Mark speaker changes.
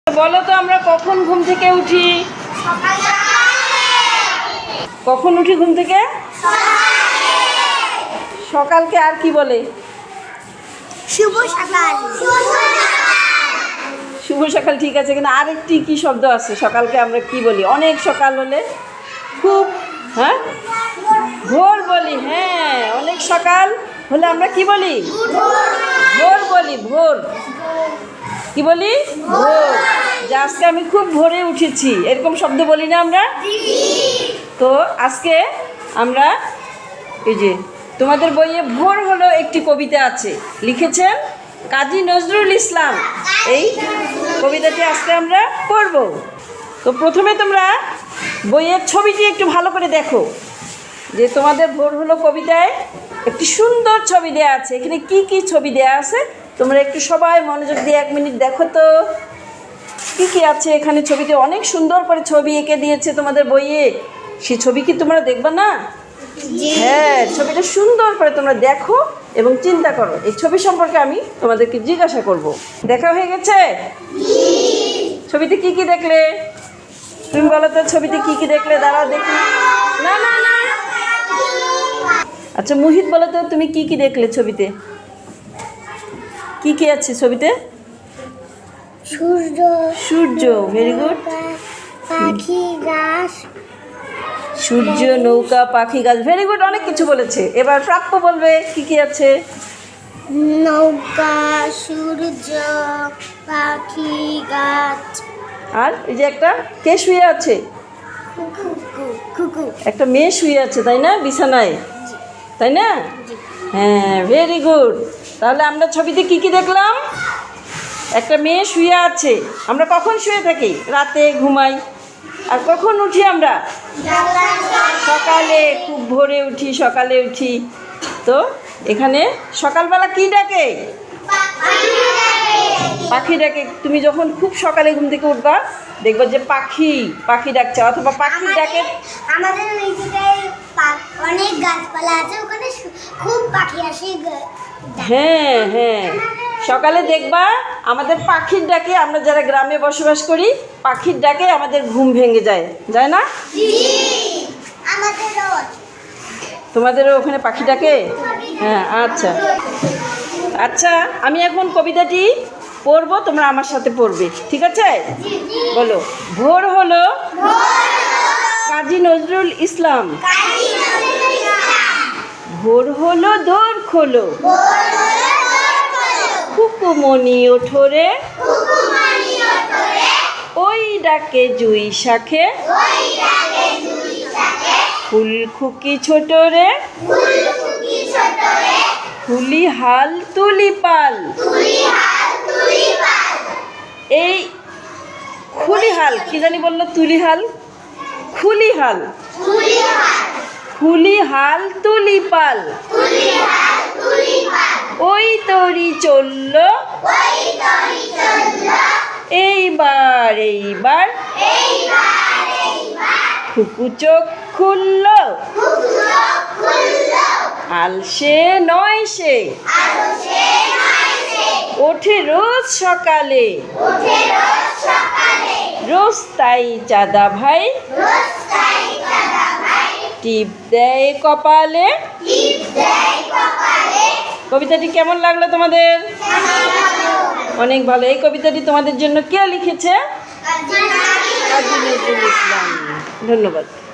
Speaker 1: বলো তো আমরা কখন ঘুম থেকে উঠি? কখন উঠি ঘুম থেকে? সকালকে আর কি বলে?
Speaker 2: শুভ সকাল।
Speaker 1: শুভ সকাল, ঠিক আছে, কিন্তু আরেকটি কি শব্দ আছে সকালকে আমরা কি বলি? অনেক সকাল হলে খুব, হ্যাঁ, ভোর বলি। হ্যাঁ, অনেক সকাল হলে আমরা কি বলি? ভোর বলি। ভোর কি বলি? ভোর। যে আজকে আমি খুব ভোরে উঠেছি, এরকম শব্দ বলি না আমরা? তো আজকে আমরা এই যে তোমাদের বইয়ে ভোর হলো একটি কবিতা আছে, লিখেছেন কাজী নজরুল ইসলাম। এই কবিতাটি আজকে আমরা পড়ব। তো প্রথমে তোমরা বইয়ের ছবিটি একটু ভালো করে দেখো, যে তোমাদের ভোর হলো কবিতায় একটি সুন্দর ছবি দেওয়া আছে। এখানে কি কি ছবি দেওয়া আছে তোমরা একটু সবাই মনোযোগ দিয়ে 1 মিনিট দেখো তো কি কি আছে এখানে। ছবিতে অনেক সুন্দর করে ছবি এঁকে দিয়েছে তোমাদের বইয়ে। সেই ছবি কি তোমরা দেখবা না? হ্যাঁ, ছবিটা সুন্দর করে তোমরা দেখো এবং চিন্তা করো। এই ছবি সম্পর্কে আমি তোমাদেরকে জিজ্ঞাসা করব। দেখা হয়ে গেছে? ছবিতে কি কি দেখলে তুমি বলো তো? ছবিতে কি কি দেখলে? দাঁড়াও দেখি। না না না, আচ্ছা মুহিত বলো তো তুমি কি কি দেখলে ছবিতে? কি কি আছে ছবিতে?
Speaker 2: সূর্য,
Speaker 1: সূর্য, ভেরি গুড।
Speaker 2: পাখি, গাছ।
Speaker 1: সূর্য, নৌকা, পাখি, গাছ, ভেরি গুড, অনেক কিছু বলেছে। এবার প্রাপ্য বলবে কি কি আছে।
Speaker 2: নৌকা, সূর্য, পাখি, গাছ।
Speaker 1: আর এই যে একটা কে শুয়ে আছে?
Speaker 2: কুকু।
Speaker 1: একটা মেয়ে শুয়ে আছে, তাই না, বিছানায়, তাই না? হ্যাঁ, ভেরি গুড। তাহলে আমরা ছবিতে কি কি দেখলাম? একটা মেয়ে শুয়ে আছে। আমরা কখন শুয়ে থাকি? রাতে ঘুমাই। আর কখন উঠি আমরা? সকালে, খুব ভোরে উঠি, সকালে উঠি। তো এখানে সকালবেলা কি ডাকে? পাখি ডাকে। তুমি যখন খুব সকালে ঘুম থেকে উঠবা দেখবা যে পাখি ডাকছে, অথবা পাখি ডাকে।
Speaker 2: আমাদের নিচেটায় অনেক গাছপালা আছে, ওখানে খুব পাখি আসে।
Speaker 1: হ্যাঁ হ্যাঁ, সকালে দেখবা আমাদের পাখির ডাকে, আমরা যারা গ্রামে বসবাস করি, পাখির ডাকে আমাদের ঘুম ভেঙে যায়, যায় না? তোমাদেরও ওখানে পাখি ডাকে? হ্যাঁ, আচ্ছা আচ্ছা, আমি এখন কবিতাটি পড়বো, তোমরা আমার সাথে পড়বে, ঠিক আছে? বলো, ভোর হলো কাজী নজরুল ইসলাম। ভোর হলো দোর খোলো, কুকুমনি ওঠরে, ওই ডাকে জুই শাখে, ফুল খুকি ছোট রে, ফুলি হাল তুলি পাল। এই খুলিহাল কি জানি বললো? তুলিহাল, খুলিহাল, খুলিহাল তুলি পাল, ওই তরি চলল, এইবার খুকু চোখ খুলল, আলসে নয় সে, ওঠে রোজ সকালে, রোজ তাই চাঁদা ভাই, টিপ দেয় কপালে। কবিতাটি কেমন লাগলো তোমাদের? অনেক ভালো। এই কবিতাটি তোমাদের জন্য কে লিখেছে? কাজী নজরুল ইসলাম। ধন্যবাদ।